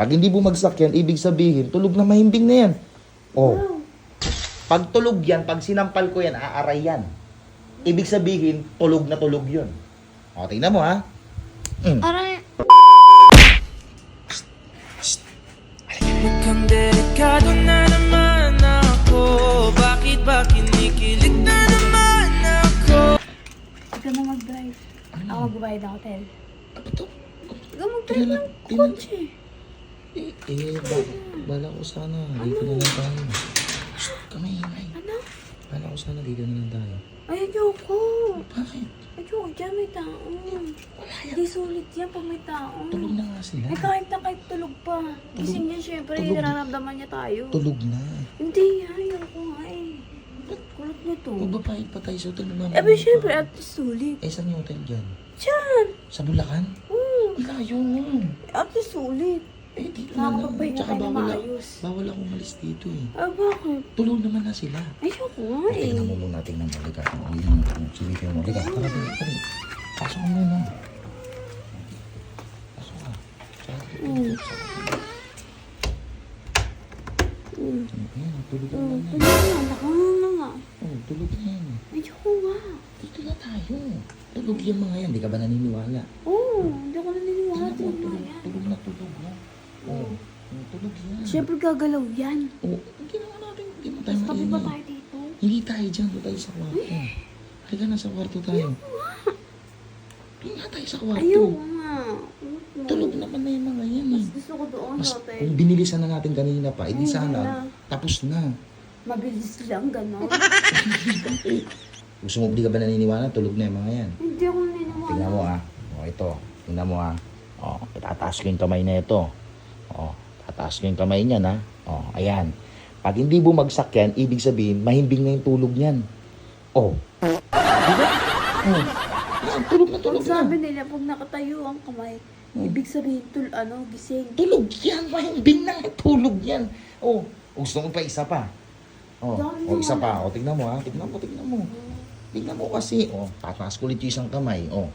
Pag hindi bumagsak yan, ibig sabihin, tulog na mahimbing na yan. Oh. Pag tulog yan, pag sinampal ko yan, aaray yan. Ibig sabihin, tulog na tulog yun. O, tingnan mo ha. Aray. Mukhang delikado na naman ako. Bakit ba kinikilig na naman ako? Ikaw na mag-drive. Ako magbabayad ng hotel. Ano to? Ikaw mag-drive ng kotse. Bala ko sana. Dito na lang tayo. Shh, kamay. Ano? Bala ko sana dito na lang tayo. Ay, ayoko. Bakit? Ayoko dyan, may tao. Hindi sulit yan pag may tao. Tulog na nga sila. Eh, kahit tulog pa. Gising yan, syempre. Tulog. Nararamdaman niya tayo. Tulog na. Hindi, ayoko nga eh. Kulot niya to. Magbapahit pa tayo sa hotel naman. Eh, but syempre, at least sulit. Eh, saan yung hotel dyan? Diyan! Sa Bulacan? Oo. Layo. At least sulit. Eh, dito na lang. Nakakapagpahinga Tsaka tayo na maayos. bawal ako umalis dito eh. Ah, bakit? Tulog naman na sila. Ayoko nga eh. Tingnan mo muna, tingnan mo. Liga. Silipin mo. Liga. Tara, tara. Pasok mo muna. Pasok ka. Ayan, tulog na naman yan. Tulog na nga. Oh, tulog na yan. Ayoko nga. Dito na tayo. Tulog yung mga yan. Di ka ba naniniwala? Oo, hindi ako naniniwala. Tingnan mo, Tulog na yan. tulog na tulog na. Oh, tulog yan. Siyempre gagalaw yan. Oh, hindi naman natin. Hindi mo tayo Mas tabi ba mainit. tayo dito? Hindi tayo dyan. Doon tayo sa kwarto. Halika na sa kwarto tayo. Doon nga tayo sa kwarto. Ayoko nga. Tulog naman na yung mga yan eh. Gusto ko doon Mas, sa hotel. kung binilisan na natin kanina pa, edi Hindi sana, na. tapos na. Mabilis lang, gano'n. Gusto mo, di ka ba naniniwala? Tulog na yung mga yan. Hindi ako naniniwala. Tingnan mo ah. O, ito. Tingnan mo ah. O, itataas ko yung kamay na ito. O, tataas ko yung kamay niyan ah. O, ayan. Pag hindi bumagsak yan, ibig sabihin, mahimbing na yung tulog niyan. O. Diba? O. Yan, tulog na tulog Pag na. sabi nila, pag nakatayo ang kamay, ibig sabihin, gising. Tulog yan. Mahimbing na yung tulog yan. O, gusto mo pa isa pa. O, isa pa. O, tignan mo ha. Tignan mo. Tignan mo kasi. O, tataas ko ulit yung isang kamay. O.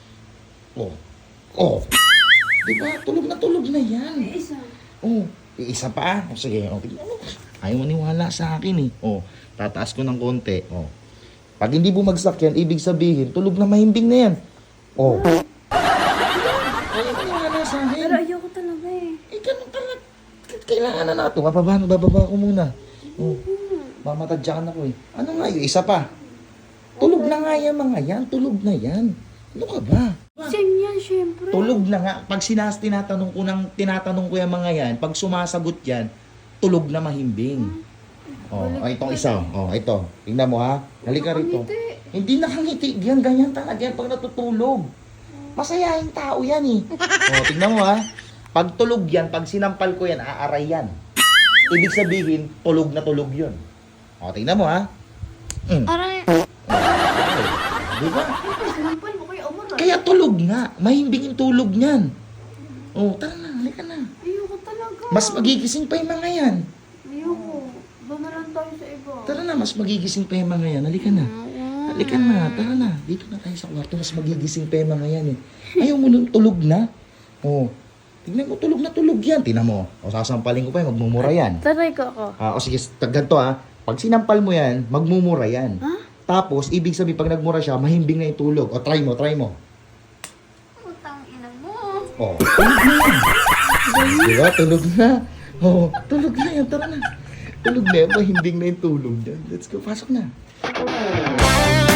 Diba? Tulog na yan. May isa. Oh, isa pa. O sige, tignan mo. Ayaw maniwala sa akin eh. Oh, tataas ko ng konti. Oh. Pag hindi bumagsak yan, ibig sabihin, tulog na mahimbing na yan. Oh. Ayaw maniwala sa akin. Pero ayoko talaga eh. Eh, ganun talaga. Kailangan na nato. Bababa ko muna. Oh. Mamatadyakan ako eh. Ano nga yung isa pa? Tulog na nga yan mga yan. Tulog na yan. Ano ka ba? Gising yan, syempre. Tulog na nga. Pag tinatanong ko yung mga yan, pag sumasagot yan, tulog na mahimbing. Oh, itong isa. Oh, ito. Tingnan mo ha. Halika rito. Hindi nakangiti. Yan, ganyan talaga yan pag natutulog. Masayahin tao yan eh. Oh, tingnan mo ha. Pag tulog yan, pag sinampal ko yan, aaray yan. Ibig sabihin, tulog na tulog yun. Oh, tingnan mo ha. Aray. Diba? Sinampal mo kayo, Omar. Kaya tulog nga. Mahimbing yung tulog niyan. Oh, tara na. Halika na. Ayoko talaga. Mas magigising pa yung mga yan. Ayoko. Doon na lang tayo sa iba. Tara na, mas magigising pa yung mga yan. Halika na. Halika na, tara na. Dito na tayo sa kwarto, mas magigising pa yung mga yan eh. Ayaw mo nung tulog na. Oh, tignan mo, tulog na tulog yan. Tingnan mo. O, sasampalin ko pa yan, magmumura yan. Taray ko ako. O sige, ganito ha. Pag sinampal mo yan, magmumura yan. Ha? Tapos, ibig sabihin, pag nagmura siya, mahimbing na yung tulog. O, try mo. Utang ina mo. O, tulog na yan. Diba? Tulog na. O, tulog na yan. Tara na. Tulog na yan, mahimbing na yung tulog yan. Let's go, pasok na.